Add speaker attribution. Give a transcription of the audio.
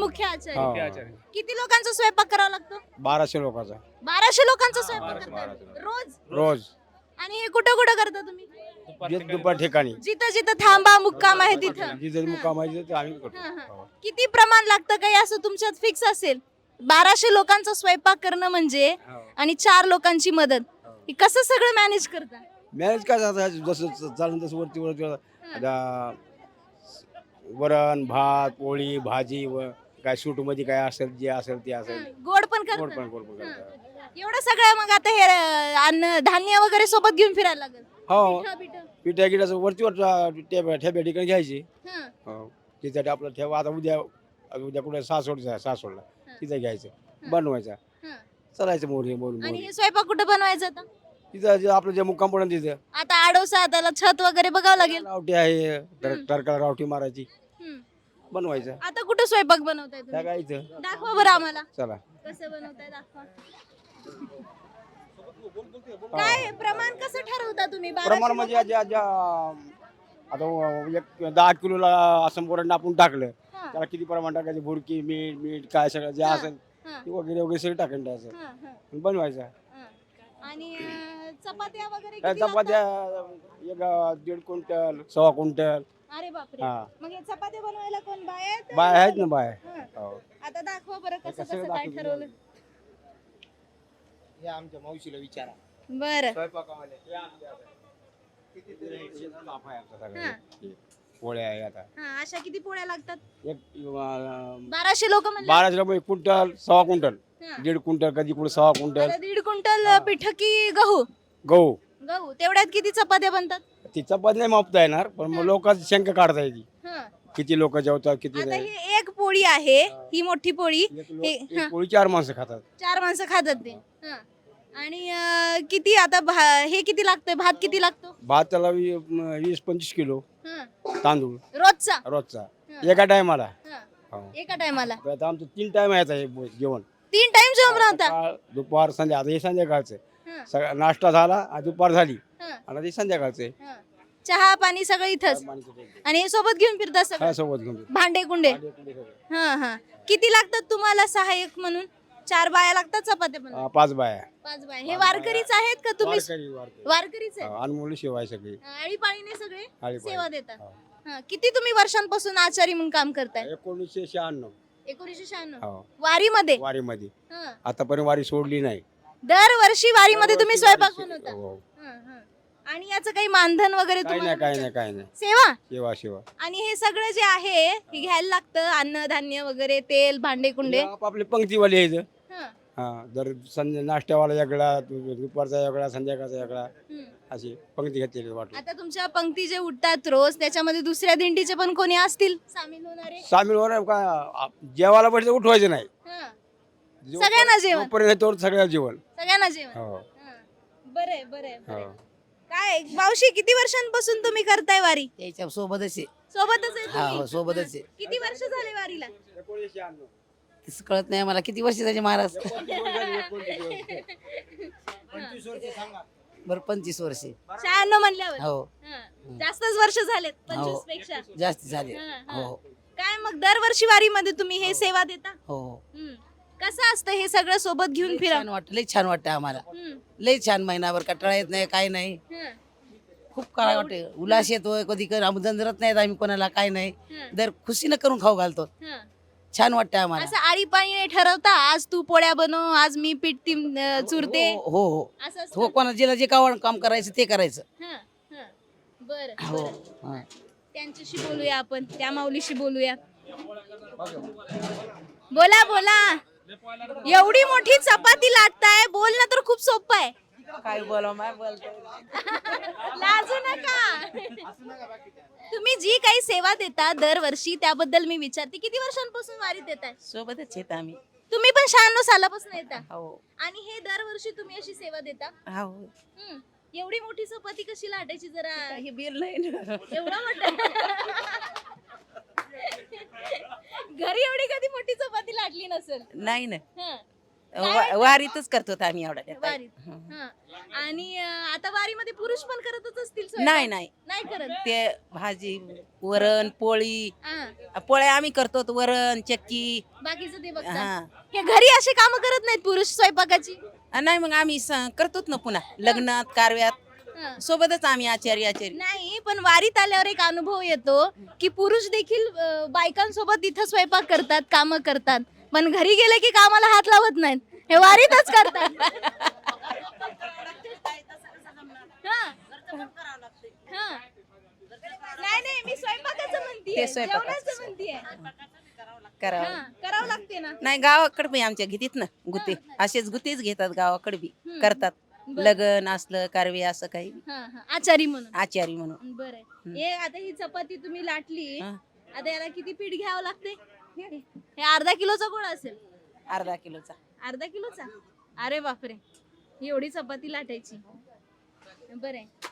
Speaker 1: मुख्य आचारी
Speaker 2: हा.
Speaker 3: मुख्य आचार्य.
Speaker 1: किती लोकांचा स्वयंपाक करावा लागतो
Speaker 2: 1200 लोकांचा
Speaker 1: 1200 लोकांचा स्वयंपाक
Speaker 3: 1200
Speaker 1: करतात रोज
Speaker 2: रोज
Speaker 1: आणि हे कुठं कुठं करता तुम्ही
Speaker 2: दुपार ठिकाणी
Speaker 1: जिथं जिथं थांबा मुक्काम आहे तिथं
Speaker 2: जिथे मुक्काम आहे तिथे आम्ही करतो.
Speaker 1: हा, हा.
Speaker 2: हो.
Speaker 1: किती प्रमाण लागतं काही असं तुमच्यात फिक्स असेल 1200 लोकांचा स्वयंपाक करणं म्हणजे आणि 4 लोकांची मदत हे कसं सगळं मॅनेज करता
Speaker 2: मॅनेज काय जातं जसं चालून तसं वरती वरती आता वरण भात पोळी भाजी व काय सूट मध्ये काय असेल जे असेल ते असेल
Speaker 1: गोड पण
Speaker 2: गोड
Speaker 1: करता
Speaker 2: पण गोड पण करतात.
Speaker 1: एवढं सगळं मग आता हे अन्न धान्य वगैरे सोबत घेऊन फिरायला लागेल
Speaker 2: हो
Speaker 1: पिठं, पिठं.
Speaker 2: पिठ्या गिटाचं वरती वर ठेप्या ठिकाणी घ्यायची
Speaker 1: हं,
Speaker 2: हो तिथे आपलं ठेवा आता उद्या कुठे सासवडला तिथे घ्यायचं बनवायचा
Speaker 1: हं.
Speaker 2: चालायचं मोरी मोरी
Speaker 1: आणि
Speaker 2: मोरी
Speaker 1: हे स्वयंपाक कुठं बनवायचं आता
Speaker 2: तिथं जे आपलं जे मुक्काम पडून तिथं
Speaker 1: आता आडोसा त्याला छत वगैरे बघावं लागेल
Speaker 2: रावटी आहे टरकाला रावटी मारायची
Speaker 1: हं.
Speaker 2: बनवायचं
Speaker 1: आता कुठं स्वयंपाक बनवताय
Speaker 2: त्या
Speaker 1: तुम्ही
Speaker 2: काय इथं
Speaker 1: दाखवा बरं आम्हाला
Speaker 2: चला
Speaker 1: कसं बनवताय दाखवा काय प्रमाण कसं ठरवता तुम्ही 1200
Speaker 2: प्रमाण म्हणजे आता एक 10 किलोला असं वरण आपण टाकलं
Speaker 1: हां,
Speaker 2: त्याला किती प्रमाण टाकायचं बुडकी मीठ मीठ काय सगळं जे
Speaker 1: हां,
Speaker 2: असेल
Speaker 1: हां,
Speaker 2: ते वगैरे वगैरे सगळं टाकून द्यायचं
Speaker 1: हां, हां,
Speaker 2: बनवायचं
Speaker 1: हां. आणि चपात्या वगैरे
Speaker 2: त्या
Speaker 1: किती
Speaker 2: चपात्या
Speaker 1: लागतात?
Speaker 2: एक 1.5 क्विंटल 1.25 क्विंटल
Speaker 1: अरे बापरे
Speaker 2: हा
Speaker 1: मग हे चपात्या बनवायला कोण बाय आहेत?
Speaker 2: बाय आहेत ना बाय
Speaker 1: हां.
Speaker 2: हो
Speaker 1: आता दाखवा बरं कसं
Speaker 2: कसं
Speaker 1: कसं काय
Speaker 2: दाखवू?
Speaker 1: ठरवलं
Speaker 2: हे आमच्या मावशीला विचारा
Speaker 1: बरं
Speaker 2: स्वयंपाकावाले
Speaker 1: हां.
Speaker 2: पोळ्या आहे आता
Speaker 1: हा अशा किती पोळ्या लागतात
Speaker 2: एक
Speaker 1: 1200 लोक म्हणजे
Speaker 2: 12 रुपये क्विंटल 1.25 क्विंटल 1.5 क्विंटल कधी कुठे 1.25 क्विंटल
Speaker 1: 1.5 क्विंटल पिठ की गहू
Speaker 2: गहू
Speaker 1: गहू तेवढ्यात किती चपात्या बनतात
Speaker 2: ती चपात नाही मापता येणार पण मग लोकांची शंका काढता येते
Speaker 1: हं.
Speaker 2: किती लोक जेवतात किती
Speaker 1: आता
Speaker 2: नाही
Speaker 1: ही एक पोळी आहे ही मोठी पोळी
Speaker 2: एक पोळी 4 माणसं खातात
Speaker 1: 4 माणसं खातात ते हं. आणि किती आता हे किती लागतंय भात किती लागतो
Speaker 2: भात त्याला 20-25 किलो
Speaker 1: हं.
Speaker 2: तांदूळ
Speaker 1: रोजचा
Speaker 2: रोजचा
Speaker 1: हं.
Speaker 2: एका टायमाला
Speaker 1: हं. एका टायमाला
Speaker 2: आता आमचं 3 टाइम आहे आता हे जेवण
Speaker 1: 3 टाइम जेवण बनवता
Speaker 2: सकाळ दुपार संध्या आता हे संध्याकाळचं
Speaker 1: हं.
Speaker 2: सगळा नाश्ता झाला आणि दुपार झाली
Speaker 1: हं.
Speaker 2: आणि ते संध्याकाळचे
Speaker 1: हं. चहा पाणी सगळं इथंच आणि हे सोबत घेऊन फिरता सगळं
Speaker 2: हा सोबत घेऊन
Speaker 1: भांडे कुंडे हा हा किती लागतात तुम्हाला सहाय्यक म्हणून 4 बाया लागतात चपात्या बनवायला
Speaker 2: 5 बाया
Speaker 1: 5 बाया हे वारकरीच आहेत का तुम्ही
Speaker 2: वारकरी.
Speaker 1: वारकरीच आहेत
Speaker 2: अनमोल शिवाय सगळी
Speaker 1: आळीपाळीने सगळे
Speaker 2: आळीपाळी.
Speaker 1: सेवा देतात
Speaker 2: हो.
Speaker 1: हा, किती तुम्ही वर्षांपासून आचारी म्हणून काम करताय
Speaker 2: 1996
Speaker 1: 1996
Speaker 2: हो
Speaker 1: वारीमध्ये
Speaker 2: वारीमध्ये
Speaker 1: हा.
Speaker 2: आतापर्यंत वारी सोडली नाही
Speaker 1: दरवर्षी वारीमध्ये तुम्ही स्वयंपाक
Speaker 2: वारी-
Speaker 1: बनवता
Speaker 2: हो.
Speaker 1: हा, हा. आणि याचं काही मानधन वगैरे
Speaker 2: काही
Speaker 1: तुम्हाला
Speaker 2: नाही काही
Speaker 1: मिळतं?
Speaker 2: नाही काही नाही
Speaker 1: सेवा
Speaker 2: शिवा शिवा
Speaker 1: आणि हे सगळं जे आहे हे घ्यायला लागतं अन्न धान्य वगैरे तेल भांडे कुंडे
Speaker 2: आपले पंक्तीवाले यायचं
Speaker 1: हा.
Speaker 2: हा जर संध्या नाश्त्यावाला वेगळा दुपारचा वेगळा संध्याकाळचा वेगळा
Speaker 1: हम्म.
Speaker 2: अशी पंक्ती घेतलेली वाटलं
Speaker 1: आता तुमच्या पंक्ती जे उठतात रोज त्याच्यामध्ये दुसऱ्या दिंडीचे पण कोणी असतील सामील होणारे
Speaker 2: सामील होणार का जेवायला पाहिजे उठवायचं नाही
Speaker 1: हा. सगळ्यांना जेवण
Speaker 2: जोपर्यंत तोवर सगळ्या जेवण
Speaker 1: सगळ्यांना जेवण
Speaker 2: हो
Speaker 1: हा. बरंय बरंय
Speaker 2: हो
Speaker 1: बरंय. काय मावशी किती वर्षांपासून तुम्ही करताय वारी
Speaker 4: त्याच्या सोबतच आहे
Speaker 1: सोबतच आहे
Speaker 4: हा,
Speaker 1: तुम्ही?
Speaker 4: हो, सोबतच आहे.
Speaker 1: किती वर्ष झाले वारीला
Speaker 4: तसं कळत नाही मला किती वर्ष झाली महाराज बरं 25 वर्ष
Speaker 1: 96 म्हणल्यावर
Speaker 4: हो
Speaker 1: हा. जास्तच वर्ष झालेत 25 पेक्षा
Speaker 4: जास्त झाले
Speaker 1: हा, हा.
Speaker 4: हो
Speaker 1: काय मग दरवर्षी वारीमध्ये तुम्ही हे सेवा देता
Speaker 4: हो हो
Speaker 1: हम्म. कसं असतं हे सगळं सोबत घेऊन फिरा
Speaker 4: छान वाटतं लई छान वाटतं आम्हाला
Speaker 1: हम्म.
Speaker 4: लई छान महिनाभर कटाळा येत नाही काय नाही
Speaker 1: हा.
Speaker 4: खूप करा वाटते उल्हास येतोय कधी जंजरत नाहीत आम्ही कोणाला काय नाही
Speaker 1: हा.
Speaker 4: दर खुशीनं करून खाऊ घालतो
Speaker 1: हा.
Speaker 4: छान वाटतं आम्हाला
Speaker 1: असं आळीपाळीने ठरवता आज तू पोळ्या बनव आज मी पीठ चुरते
Speaker 4: हो हो हो
Speaker 1: असं असतं?
Speaker 4: हो कोणा जिला जे काम करायचं ते करायचं
Speaker 1: हा, हा. बरं
Speaker 4: हो
Speaker 1: बरं.
Speaker 4: हा.
Speaker 1: त्यांच्याशी बोलूया आपण त्या माऊलीशी बोलूया बोला बोला एवढी मोठी चपाती लाटताय बोलणं तर खूप सोपं आहे
Speaker 4: काय बोला माय बोलतो
Speaker 1: लाजू नका तुम्ही जी काही सेवा देता दरवर्षी त्याबद्दल मी विचारते किती वर्षांपासून वारीत येताय
Speaker 4: सोबतच येत आम्ही
Speaker 1: तुम्ही पण 96 सालापासून येता
Speaker 4: हो
Speaker 1: आणि हे दरवर्षी तुम्ही अशी सेवा देता
Speaker 4: हो
Speaker 1: हम्म. एवढी मोठी चपाती कशी लाटायची जरा
Speaker 4: हे बिल नाही ना
Speaker 1: एवढं मोठं घरी एवढी कधी मोठी चपाती लाटली नसेल
Speaker 4: नाही ना
Speaker 1: हं.
Speaker 3: वारीतच करतो आम्ही एवढा
Speaker 1: वारीत. हा. आणि आता वारीमध्ये पुरुष पण करतच असतील स्वयंपाक?
Speaker 3: नाही नाही
Speaker 1: नाही करत.
Speaker 3: ते भाजी वरण पोळी
Speaker 1: हा.
Speaker 3: पोळ्या आम्ही करतो वरण चक्की
Speaker 1: बाकीचं ते बघता.
Speaker 3: हा
Speaker 1: हे घरी अशी कामं करत नाहीत पुरुष स्वयंपाकाची?
Speaker 3: नाही मग आम्ही करतोच ना पुन्हा लग्नात कारव्यात
Speaker 1: हा.
Speaker 3: सोबतच आम्ही आचारी
Speaker 1: नाही पण वारीत आल्यावर एक अनुभव येतो की पुरुष देखील बायकांसोबत इथं स्वयंपाक करतात, कामं करतात, पण घरी गेले की कामाला हात लावत नाहीत, हे वारीतच करतात. हा. हा. नाही नाही मी स्वयंपाकाचं म्हणतीये,
Speaker 3: ते स्वयंपाकाचं.
Speaker 1: जेवणाचं म्हणतीये.
Speaker 3: करावं
Speaker 1: हा, करावं लागते ना.
Speaker 3: नाही गावाकडे बी आमच्या घेतात ना गुते असेच गुतेच घेतात गावाकडे बी
Speaker 1: हम्म.
Speaker 3: करतात
Speaker 1: बरं.
Speaker 3: लग्न असलं कारवे असं काही
Speaker 1: हा, हा. आचारी म्हणून.
Speaker 3: आचारी म्हणून
Speaker 1: बरं. हे आता ही चपाती तुम्ही लाटली,
Speaker 3: हा.
Speaker 1: आता याला किती पीठ घ्यावं लागते? हे अर्धा किलोचा गोळा असेल.
Speaker 3: अर्धा किलोचा
Speaker 1: अर्धा किलोचा? अरे बापरे, एवढी चपाती लाटायची. बरं.